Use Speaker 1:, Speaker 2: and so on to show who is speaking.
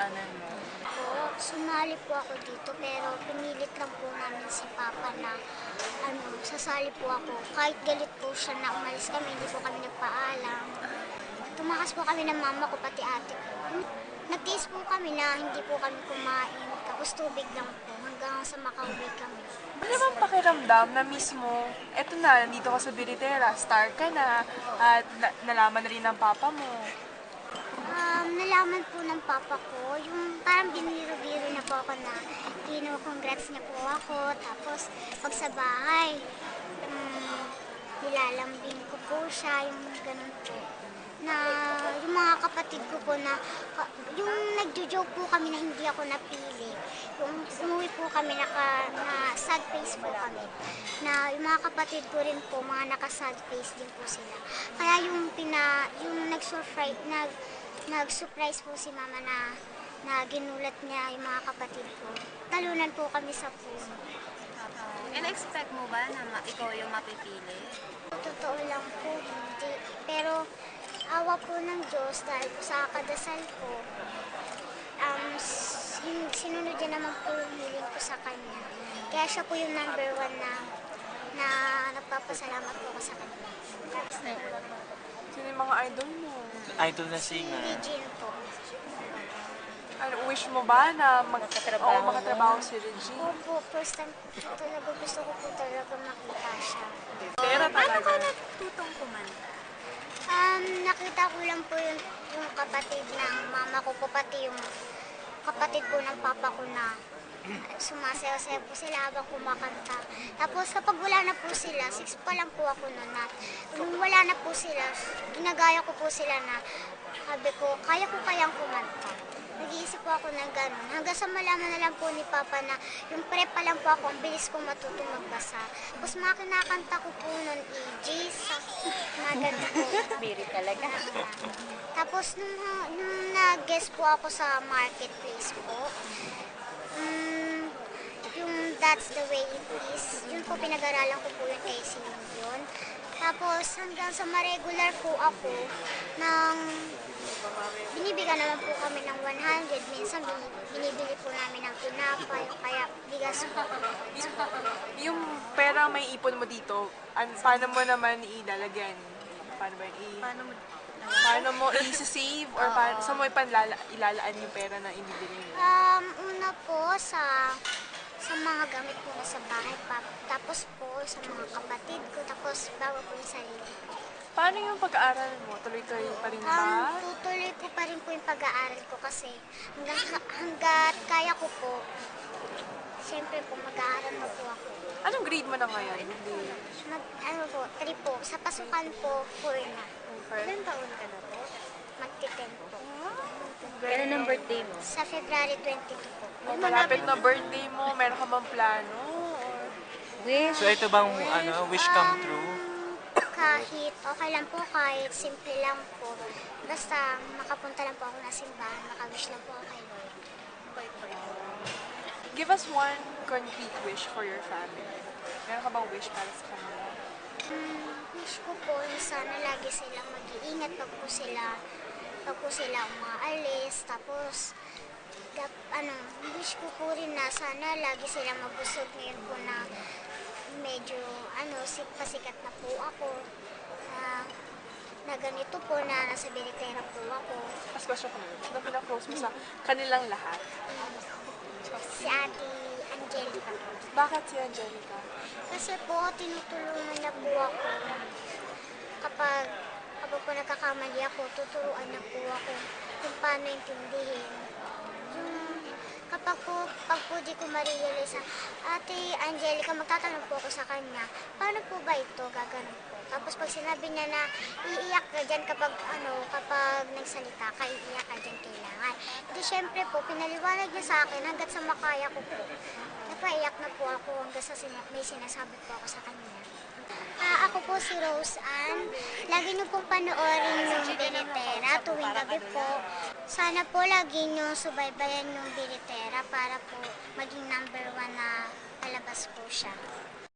Speaker 1: channel mo?
Speaker 2: Po, sumali po ako dito pero pinilit lang po namin si Papa na sasali po ako. Kahit galit po siya na umalis kami, hindi po kami nagpaalam. Tumakas po kami ng mama ko, pati ate ko. Nagtiis po kami na hindi po kami kumain, tapos tubig lang po hanggang sa makauwi kami.
Speaker 1: Ano bang pakiramdam na mismo, eto na, nandito ka sa Biritera, star ka na, at nalaman na rin ng papa mo?
Speaker 2: Nalaman po ng papa ko, yung parang biniro-biro na po ako na congrats niya po ako. Tapos pag sa bahay, nilalambing ko po siya, yung ganun po. Na yung mga kapatid ko po na, yung nagjo-joke po kami na hindi ako napili. Yung umuwi po kami na sad face po kami. Na yung mga kapatid ko rin po, mga naka-sad face din po sila. Kaya yung nag-surprise po si mama na ginulat niya yung mga kapatid ko. Talunan po kami sa puso.
Speaker 3: In-expect mo ba na ikaw yung mapipili?
Speaker 2: Totoo lang po, hindi. Pero awa po ng Diyos dahil po sa kadasal ko, sinunod niya naman po yung hiling ko sa Kanya. Kaya siya po yung number one na nagpapasalamat po ko sa Kanya.
Speaker 1: Sino yung mga idol mo?
Speaker 4: Idol na singer.
Speaker 2: Regine po.
Speaker 1: Ano, wish mo ba na makatrabaho si Regine?
Speaker 2: Opo, first time po talaga gusto ko po talaga makita siya.
Speaker 1: Pera
Speaker 3: Paano ka
Speaker 1: talaga.
Speaker 3: natutong kumanta?
Speaker 2: Nakita ko lang po yung kapatid ng mama ko po, pati yung kapatid po ng papa ko na sumasayaw-sayaw po sila habang kumakanta. Tapos kapag wala na po sila, 6 pa lang po ako noon na nung wala na po sila, ginagaya ko po sila na sabi ko, kaya ko kayang kumanta. Nag-iisip po ako ng gano'n. Hanggang sa malaman na lang po ni Papa na yung prep pa lang po ako, ang bilis ko matutong magbasa. Tapos mga kinakanta ko po noon, Jesus, mga gano'n po.
Speaker 3: Spirit talaga.
Speaker 2: Tapos nung nag-guest po ako sa marketplace po, yung That's the Way It Is, yun po pinag-aralan ko po yung essay yun. Tapos hanggang sa ma-regular po ako binibigyan naman po kami ng 100. Minsan binibili po namin ng tinapay o kaya bigas po.
Speaker 1: Yung pera may ipon mo dito, paano mo naman ilalagyan? Paano mo i-save or saan mo ilalaan yung pera na inibili mo?
Speaker 2: Una po sa mga gamit po na sa bahay pa. Tapos po sa mga kapatid ko. Tapos bago po yung sarili ko.
Speaker 1: Paano yung pag-aaral mo? Tuloy-tuloy pa rin ba?
Speaker 2: Tutuloy ko pa rin po yung pag-aaral ko kasi hanggat kaya ko po, siyempre po mag-aaral na po ako.
Speaker 1: Anong grade mo na ngayon?
Speaker 2: 3 po. Sa pasukan po, 4 na.
Speaker 3: Ilan taon ka na po?
Speaker 2: Magti-10 po.
Speaker 3: Kailan ang birthday mo?
Speaker 2: Sa February 22 po.
Speaker 1: Malapit na birthday mo, meron ka bang plano?
Speaker 3: Wish.
Speaker 4: So ito bang wish come true?
Speaker 2: Kahit okay lang po, kahit simple lang po. Basta makapunta lang po ako na simbahan, makawish lang po ako kay Lord.
Speaker 1: Give us one concrete wish for your family. Meron ka bang wish para sa kanila?
Speaker 2: Wish ko po na sana lagi silang mag-iingat pag po sila umaalis. Tapos, wish ko po rin na sana lagi silang mabusog ngayon po na medyo pasikat na po ako. Na ganito po na nasa Biritera po ako.
Speaker 1: Last question ko na. Ano pinaka-close mo sa kanilang lahat?
Speaker 2: Si Ate Angelica po.
Speaker 1: Bakit si Angelica?
Speaker 2: Kasi po, tinutulungan na po ako. Kapag po nagkakamali ako, tuturuan na po ako kung paano intindihin. Pag po di ko ma-realize, Ate Angelica, magtatanong po ako sa kanya, paano po ba ito? Gaganon po. Tapos pag sinabi niya na iiyak ka dyan kapag nagsalita ka, iiyak ka dyan kailangan. Hindi, syempre po, pinaliwanag niya sa akin hanggat sa makaya ko po. Napaiyak na po ako hanggang sa may sinasabi po ako sa kanya. Ako po si Rose Ann. Lagi niyo pong panoorin yung Biritera tuwing gabi po. Sana po lagi niyo subaybayan yung Biritera para po maging number 1 na palabas po siya.